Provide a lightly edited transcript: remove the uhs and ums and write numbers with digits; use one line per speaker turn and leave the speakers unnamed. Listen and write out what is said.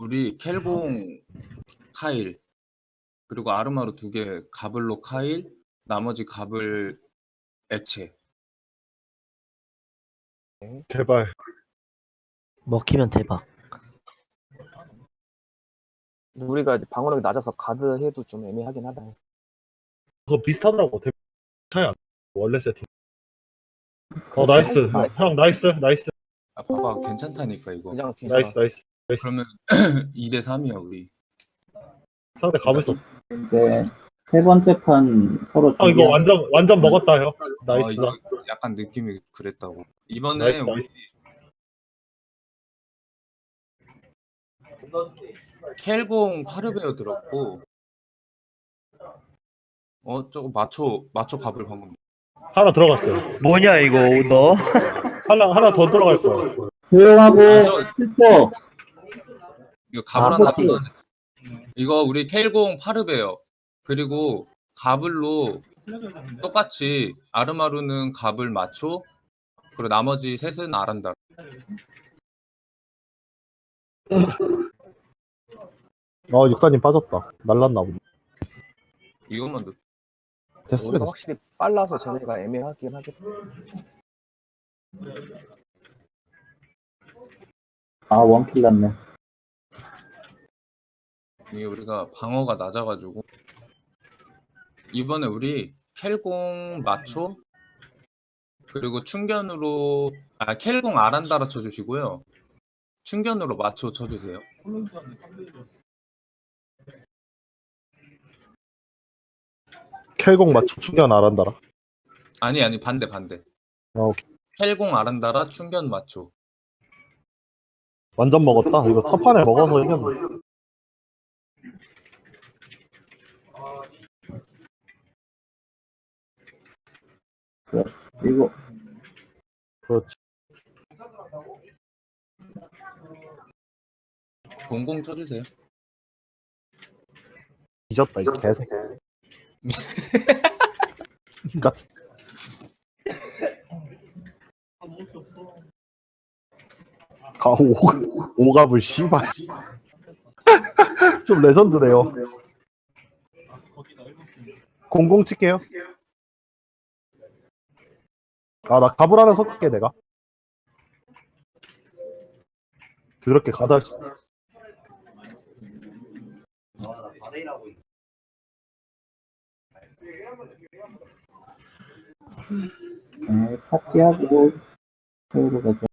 우리 켈공 카일 그리고 아르마루 2개 가블로 카일 나머지 가블 액체.
제발.
먹히면 대박.
우리가 방어력이 낮아서 가드 해도 좀 애매하긴 하다.
그거 비슷하더라고. 차이 안 나. 원래 세팅. 나이스. 형 나이스.
아, 봐봐 괜찮다니까 이거.
그냥 괜찮아.
나이스.
그러면 2대 3이야 우리.
상대 가볼 수 없어.
근데 세 번째 판 서로
형 이거 완전 먹었다 형. 나이스.
이거 약간 느낌이 그랬다고. 이번에
나이스,
우리 켈공 파르베어 들었고 저거 마초 가블 방금
하나 들어갔어요.
뭐냐 이거 너?
하나 더 들어갈 거야.
조용하고
저-
슬퍼.
이거 가블
아,
하나
그치.
더 이거 우리 켈공 파르베어 그리고 가블로 똑같이 아르마루는 가블 마초 그리고 나머지 셋은 아란다.
육사님 빠졌다. 날랐나 보네.
이것만 넣.
됐으면
우리가
됐어.
확실히 빨라서 쟤네가 애매하긴 하겠다.
아 원킬 났네.
이게 우리가 방어가 낮아가지고 이번에 우리 켈공 마초 그리고 충견으로 켈공 아란다라 쳐주시고요. 충견으로 마초 쳐주세요.
켈공 맞춰 충전 안 한다라.
아니 반대.
오케이.
켈공 아란다라 충견 마초.
완전 먹었다. 이거 첫 판에 먹어서 이겼네.
이거
그렇지.
공공 쳐주세요.
뒤졌다 이 개새끼. 같은. 오갑을 씨발. 좀 레전드네요. 공공 칠게요. 나 갑을 하나 섞을게 내가. 그렇게 가다.
파티하고 서로 가자.